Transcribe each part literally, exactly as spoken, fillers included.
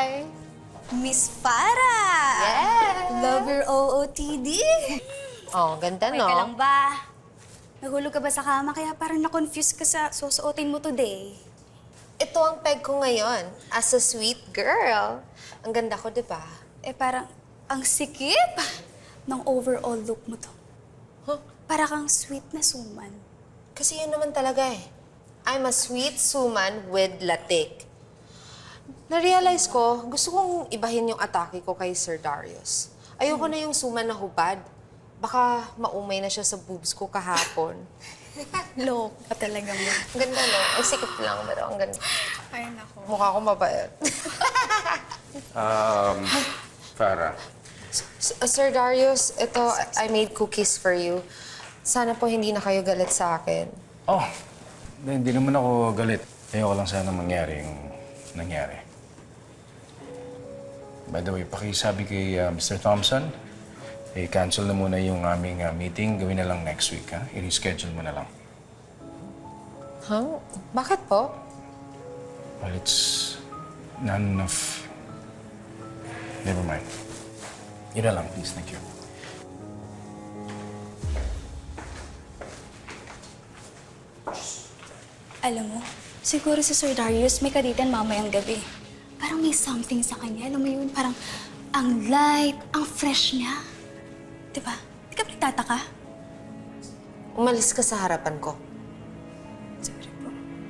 Hi! Miss Farah! Yes! Love your O O T D! Oh, ganda, Okay no? ka lang ba? Nahulog ka ba sa kama kaya parang na-confuse ka sa susuotin mo today? Ito ang peg ko ngayon, as a sweet girl. Ang ganda ko, di ba? Eh parang ang sikip ng overall look mo to. Huh? Para kang sweet na suman. Kasi yun naman talaga eh. I'm a sweet suman with latik. Na-realize ko, gusto kong ibahin yung atake ko kay Sir Darius. Ayoko na yung suman na hubad. Baka maumay na siya sa boobs ko kahapon. Look ka talaga mo. Ang ganda, no? Ang sikip lang, pero ang ganda. Ay, nako. Mukha ko mabait. Um, Farah, S- uh, Sir Darius, ito, I made cookies for you. Sana po hindi na kayo galit sa akin. oh, hindi naman ako galit. Ayoko lang sana mangyari yung nangyari. By the way, pakisabi kay uh, Mister Thompson, eh, cancel na muna yung aming uh, meeting. Gawin na lang next week, ha? I-reschedule mo na lang. Huh? Bakit po? Well, it's not enough. Never mind. Yun na lang, please. Thank you. Alam mo, siguro si Sir Darius may kaditan mamayang gabi. Parang may something sa kanya. Alam mo yun, parang ang light, ang fresh niya. Diba? Di ka ba nagtataka? Umalis ka sa harapan ko. Sorry po.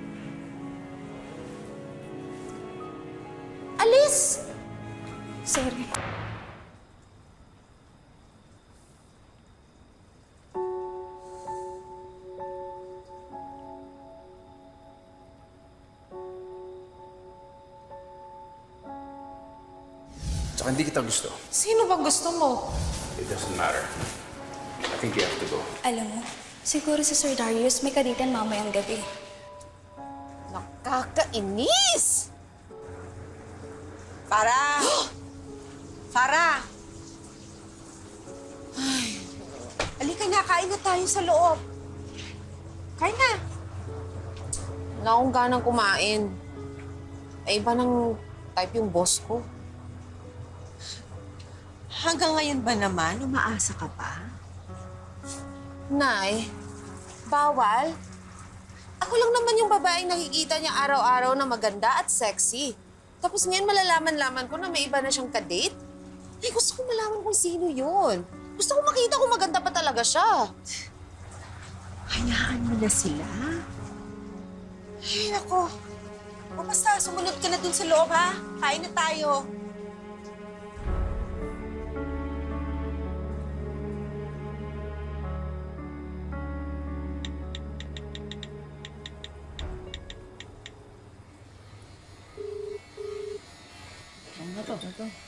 Alis! Sorry. Tsaka hindi kita gusto. Sino ba gusto mo? It doesn't matter. I think you have to go. Alam mo, siguro si Sir Darius may kaditan mamayang gabi. Nakakainis! Farah! Farah! Ay, halika na, kain na tayo sa loob. Kain na. Wala akong ganang kumain. Ay, iba ng type yung boss ko. Hanggang ngayon ba naman, umaasa ka pa? Nay, bawal? Ako lang naman yung babaeng nakikita niya araw-araw na maganda at sexy. Tapos ngayon malalaman-laman ko na may iba na siyang kadate. Ay, gusto ko malaman kung sino yun. Gusto ko makita kung maganda pa talaga siya. Hayaan mo na sila. Ay, nako. O basta, sumunod ka na dun sa loob, ha? Kain na tayo. Ano to? Ano to?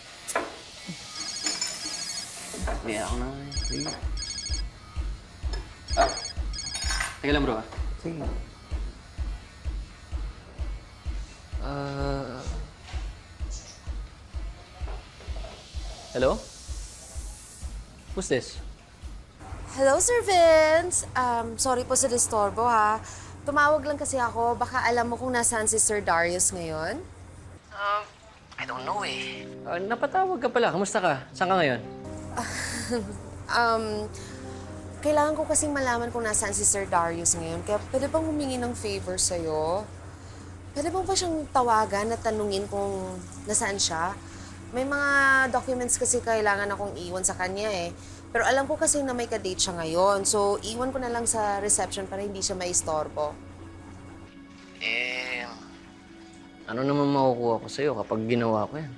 Hindi ako na. Sige. Ah. Teka lang, bro. Ah. Sige. Ah... hello? Who's this? Hello, Sir Vince. Um, sorry po sa disturbo, ha. Tumawag lang kasi ako. Baka alam mo kung nasaan si Sir Darius ngayon? Um, I don't know eh. Ah, napatawag ka pala. Kamusta ka? Saan ka ngayon? Um, kailangan ko kasing malaman kung nasaan si Sir Darius ngayon. Kaya pwede bang humingi ng favor sa'yo? Pwede bang pa siyang tawagan at tanungin kung nasaan siya? May mga documents kasi kailangan akong iwan sa kanya eh. Pero alam ko kasi na may ka-date siya ngayon. So, iwan ko na lang sa reception para hindi siya maistorbo. Eh... ano naman makukuha ko sa'yo kapag ginawa ko yan?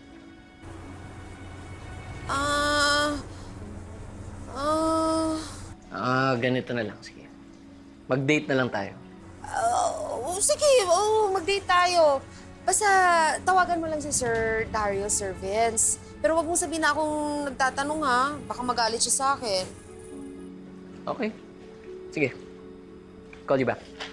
Ah... Ah... Ah, ganito na lang. Sige. Mag-date na lang tayo. Uh, sige, oh, mag-date tayo. Basta tawagan mo lang si Sir Darius, Sir Vince. Pero wag mong sabihin na akong nagtatanong ha. Baka magalit siya sa akin. Okay. Sige. Call you back.